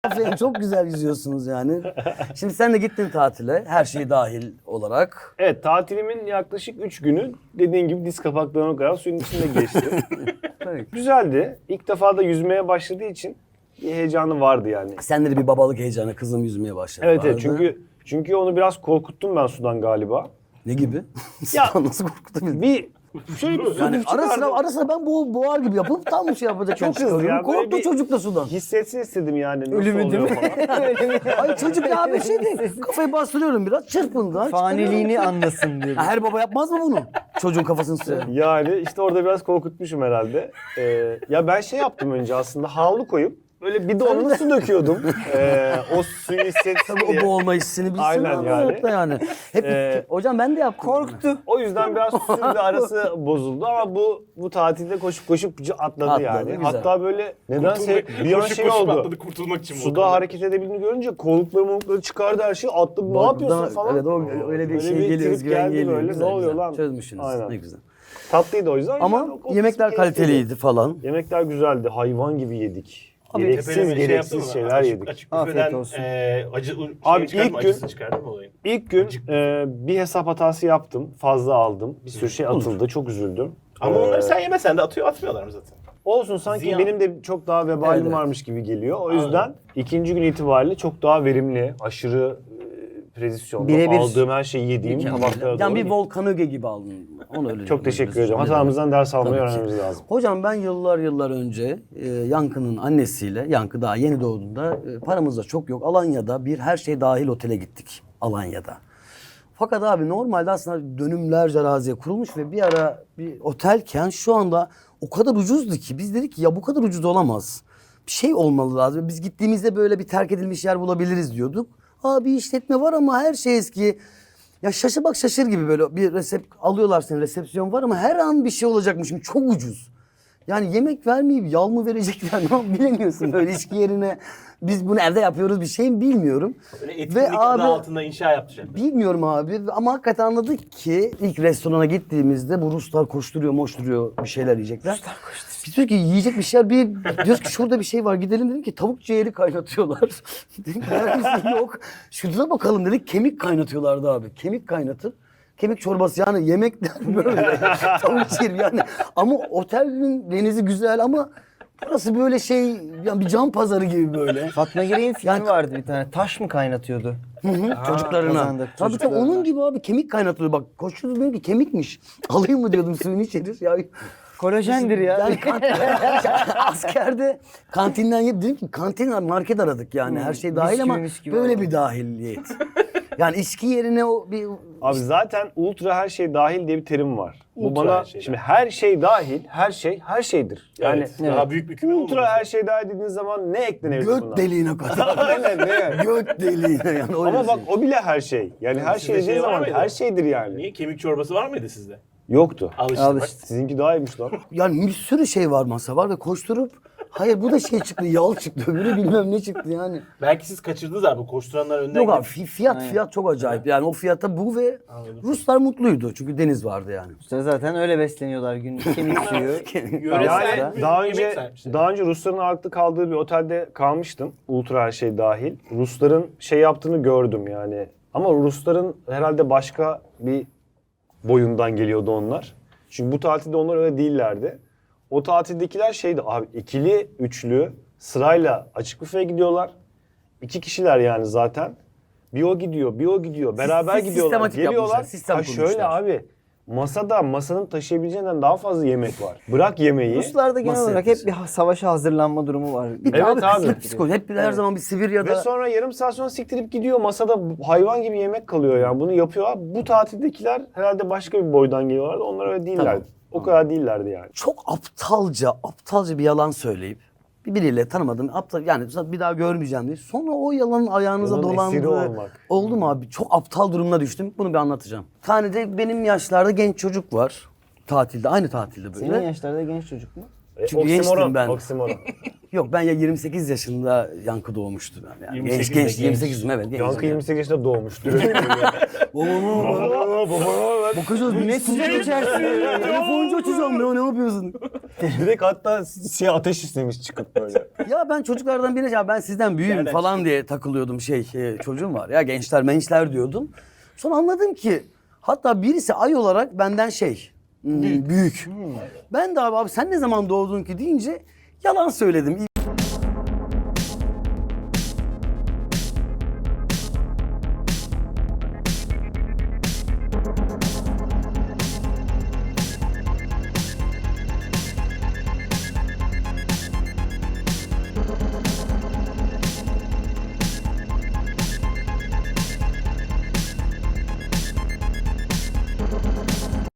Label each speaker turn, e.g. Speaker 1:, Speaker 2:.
Speaker 1: Aferin, çok güzel yüzüyorsunuz yani. Şimdi sen de gittin tatile, her şey dahil olarak.
Speaker 2: Evet, tatilimin yaklaşık 3 günü dediğin gibi diz kapaklarına kadar suyun içinde geçti.
Speaker 1: Tabii.
Speaker 2: Güzeldi. İlk defa da yüzmeye başladığı için bir heyecanı vardı yani.
Speaker 1: Sende de bir babalık heyecanı, kızım yüzmeye başladı.
Speaker 2: Evet,
Speaker 1: vardı.
Speaker 2: çünkü onu biraz korkuttum ben sudan galiba.
Speaker 1: Ne gibi?
Speaker 2: Ya,
Speaker 1: Sudan nasıl korkutabilir?
Speaker 2: Bir şöyle bir
Speaker 1: Yani
Speaker 2: çıkardım.
Speaker 1: ara sıra ben boğar gibi yapıp tam bir şey yapacak.
Speaker 2: Çok hızlı ya, böyle
Speaker 1: Korktu
Speaker 2: bir-
Speaker 1: çocuk da sudan.
Speaker 2: Hissetsin istedim yani nasıl
Speaker 3: Ölümü
Speaker 2: oluyor
Speaker 3: değil mi?
Speaker 2: falan.
Speaker 1: Ay çocuk ya bir şey değil. Kafayı bastırıyorum biraz, çırpındı.
Speaker 3: Faniliğini anlasın diye.
Speaker 1: Ha, her baba yapmaz mı bunu? Çocuğun kafasını suya.
Speaker 2: Yani işte orada biraz korkutmuşum herhalde. Ya ben şey yaptım önce aslında, havlu koyup böyle bidonla su döküyordum. O suyu hissetsin
Speaker 1: Tabii o
Speaker 2: diye.
Speaker 1: boğulma hissini bilsin.
Speaker 2: Aynen
Speaker 1: ama
Speaker 2: yani.
Speaker 1: hayatta yani. Hep, hocam ben de yaptım.
Speaker 3: Korktu.
Speaker 2: O yüzden biraz suyla arası bozuldu ama bu tatilde koşup atladı,
Speaker 1: Atladı,
Speaker 2: yani.
Speaker 1: güzel.
Speaker 2: Hatta böyle nedense bir an
Speaker 4: koşup
Speaker 2: şey
Speaker 4: koşup
Speaker 2: oldu.
Speaker 4: atladı kurtulmak için.
Speaker 2: Suda hareket edebildiğini görünce kollukları çıkardı, her şey attı. Ne yapıyorsun falan.
Speaker 1: Evet, öyle bir şey geliyor,
Speaker 2: trip
Speaker 1: özgüven
Speaker 2: geldi
Speaker 1: geliyor.
Speaker 2: böyle.
Speaker 1: Güzel,
Speaker 2: Ne oluyor
Speaker 1: güzel.
Speaker 2: lan?
Speaker 1: Çözmüşsünüz.
Speaker 2: Aynen.
Speaker 1: Ne güzel.
Speaker 2: Tatlıydı o yüzden.
Speaker 1: Ama
Speaker 2: Yani o
Speaker 1: yemekler
Speaker 2: kısmı keyifliydi.
Speaker 1: kaliteliydi falan.
Speaker 2: Yemekler güzeldi. Hayvan gibi yedik.
Speaker 1: Abi,
Speaker 2: Gereksiz şeyler yedik.
Speaker 4: Açık
Speaker 3: Afiyet
Speaker 4: büfeden
Speaker 3: olsun.
Speaker 4: acı
Speaker 2: Abi,
Speaker 4: çıkardın mı?
Speaker 2: ilk gün-
Speaker 4: Acısını çıkardın mı olayın?
Speaker 2: İlk gün bir hesap hatası yaptım. Fazla aldım. Bir sürü şey atıldı. Çok üzüldüm.
Speaker 4: Ama onları sen yemesen de atmıyorlar mı zaten?
Speaker 2: Olsun, sanki
Speaker 4: Ziyan.
Speaker 2: benim de çok daha vebalim
Speaker 1: Evet.
Speaker 2: varmış gibi geliyor. O yüzden ikinci gün itibariyle çok daha verimli, aşırı prezisyonda
Speaker 3: Birebir.
Speaker 2: aldığım her şeyi yediğim tabaklara
Speaker 1: Yani bir
Speaker 2: doğru.
Speaker 1: volkanöge gibi aldın. Onu öyle
Speaker 2: Çok teşekkür
Speaker 1: diyoruz.
Speaker 2: ederim. Hatamızdan ders almayı
Speaker 1: Tabii ki.
Speaker 2: öğrenmemiz lazım.
Speaker 1: Hocam ben yıllar önce Yankı'nın annesiyle, Yankı daha yeni doğduğunda paramız da çok yok. Alanya'da bir her şey dahil otele gittik. Alanya'da. Fakat abi normalde aslında dönümlerce araziye kurulmuş ve bir ara bir otelken şu anda o kadar ucuzdu ki biz dedik ki ya bu kadar ucuz olamaz. Bir şey olmalı lazım. Biz gittiğimizde böyle bir terk edilmiş yer bulabiliriz diyorduk. Bir işletme var ama her şey eski. Ya şaşı bak şaşır gibi böyle bir alıyorlar seni, resepsiyon var ama her an bir şey olacakmış gibi, çok ucuz. Yani yemek vermeyip yal mı verecekler ne bilemiyorsun böyle içki yerine. Biz bunu evde yapıyoruz bir şey mi bilmiyorum.
Speaker 4: Öyle etkinlik adı altında inşa yapacak.
Speaker 1: Bilmiyorum abi ama hakikaten anladık ki ilk restorana gittiğimizde bu Ruslar koşturuyor moşturuyor bir şeyler yiyecekler. Ruslar koşturuyor. Biz diyoruz ki yiyecek bir şeyler diyoruz ki şurada bir şey var gidelim, dedim ki tavuk ciğeri kaynatıyorlar. Dedim ki neredeyse yok. Şurada bakalım dedik, kemik kaynatıyorlardı abi. Kemik kaynatıp kemik çorbası, yani yemekler böyle tavuk ciğeri yani. Ama otelin denizi güzel ama burası böyle şey yani bir can pazarı gibi böyle.
Speaker 3: Fatma Girey'in filmi
Speaker 1: Yani-
Speaker 3: vardı bir tane. Taş mı kaynatıyordu?
Speaker 1: Çocuklarına.
Speaker 3: kazandık
Speaker 1: Tabii
Speaker 3: çocuklarına.
Speaker 1: onun gibi abi kemik kaynatılıyor. Bak koşuyordu dedim ki kemikmiş. Alayım mı diyordum suyunu içeriz. Ya,
Speaker 3: Kolajendir ya.
Speaker 1: yani askerde kantinden yiyip dedim ki kantin market aradık yani her şey dahil ama
Speaker 3: Bisküvi misküvi
Speaker 1: böyle
Speaker 3: var.
Speaker 1: bir dahiliyet. Yani içki yerine o bir
Speaker 2: Abi zaten ultra her şey dahil diye bir terim var. Bu
Speaker 4: Ultra
Speaker 2: bana
Speaker 4: her şey
Speaker 2: şimdi her şey dahil, her şeydir. Yani
Speaker 4: Evet, daha büyük bir küme
Speaker 2: ultra
Speaker 4: olmaması.
Speaker 2: her şey dahil dediğiniz zaman ne eklenebilir buna?
Speaker 1: göt deliğine kadar.
Speaker 2: Aynen, ne?
Speaker 1: Göt deliğine yani öyle
Speaker 2: Ama bak
Speaker 1: şey.
Speaker 2: o bile her şey. Yani her
Speaker 4: Sizde
Speaker 2: şey dediğin
Speaker 4: şey var
Speaker 2: zaman
Speaker 4: mıydı?
Speaker 2: her şeydir yani.
Speaker 4: Niye? Kemik çorbası var mıydı sizde?
Speaker 2: Yoktu.
Speaker 4: Al işte
Speaker 3: Al
Speaker 4: bak.
Speaker 3: işte.
Speaker 2: Sizinki daha iyiymiş lan.
Speaker 1: Yani bir sürü şey var, masa var ve koşturup hayır bu da şey çıktı, yal çıktı, öbürü bilmem ne çıktı yani.
Speaker 4: Belki siz kaçırdınız abi. Koşturanlar önden
Speaker 1: Yok abi
Speaker 4: gidip-
Speaker 1: fiyat çok acayip. Yani o fiyata bu ve Ruslar mutluydu çünkü deniz vardı yani.
Speaker 3: İşte zaten öyle besleniyorlar günlük. Kemik suyu.
Speaker 4: Yöresel
Speaker 2: Yani
Speaker 4: bir
Speaker 2: daha
Speaker 4: yemek
Speaker 2: önce
Speaker 4: sahipsi.
Speaker 2: daha önce Rusların ağırlıklı kaldığı bir otelde kalmıştım. Ultra her şey dahil. Rusların şey yaptığını gördüm yani. Ama Rusların herhalde başka bir boyundan geliyordu onlar. Çünkü bu tatilde onlar öyle değillerdi. O tatildekiler şeydi abi, ikili, üçlü sırayla açık büfeye gidiyorlar. 2 kişiler yani zaten. Bir o gidiyor, bir o gidiyor. Beraber gidiyorlar,
Speaker 1: sistematik
Speaker 2: geliyorlar.
Speaker 1: yapmışlar, sistem
Speaker 2: Ha şöyle
Speaker 1: kurmuşlar.
Speaker 2: abi, masanın taşıyabileceğinden daha fazla yemek var. Bırak yemeği.
Speaker 3: Ruslarda genel
Speaker 1: Nasıl
Speaker 3: olarak hep bir savaşa hazırlanma durumu var.
Speaker 2: Evet abi.
Speaker 1: Kıslık psikoloji. Hep her zaman bir Sibirya'da.
Speaker 2: Ve sonra yarım saat sonra siktirip gidiyor. Masada hayvan gibi yemek kalıyor yani. Bunu yapıyorlar. Bu tatildekiler herhalde başka bir boydan geliyorlardı. Onlar öyle değillerdi.
Speaker 1: Tamam.
Speaker 2: O kadar değillerdi yani.
Speaker 1: çok aptalca bir yalan söyleyip biriyle tanımadım aptal yani bir daha görmeyeceğim diye. Sonra o yalanın ayağınıza
Speaker 2: Yalanın esiri
Speaker 1: dolandığı
Speaker 2: olmak.
Speaker 1: oldu mu abi? Çok aptal durumuna düştüm. Bunu bir anlatacağım. Bir tane de benim yaşlarda genç çocuk var. Tatilde, aynı tatilde böyle.
Speaker 3: Senin yaşlarda genç çocuk mu?
Speaker 1: Çünkü gençtim ben.
Speaker 2: Oksimoron.
Speaker 1: Yok ben ya 28 yaşında Yankı doğmuştu ben. Yani
Speaker 4: 28'de
Speaker 1: genç
Speaker 4: genç.
Speaker 1: 28'im evet.
Speaker 2: Yankı 28 yaşında doğmuş.
Speaker 1: Bakacağız ne sigara içersin. Telefoncu açacağım ya ne yapıyorsun?
Speaker 2: Direkt hatta ateş istemiş çıkıp böyle.
Speaker 1: Ya ben çocuklardan birine ya ben sizden büyüğüm
Speaker 4: Nereden
Speaker 1: falan diye takılıyordum çocuğum var ya gençler diyordum. Sonra anladım ki hatta birisi ay olarak benden büyük. Ben de abi sen ne zaman doğdun ki deyince yalan söyledim.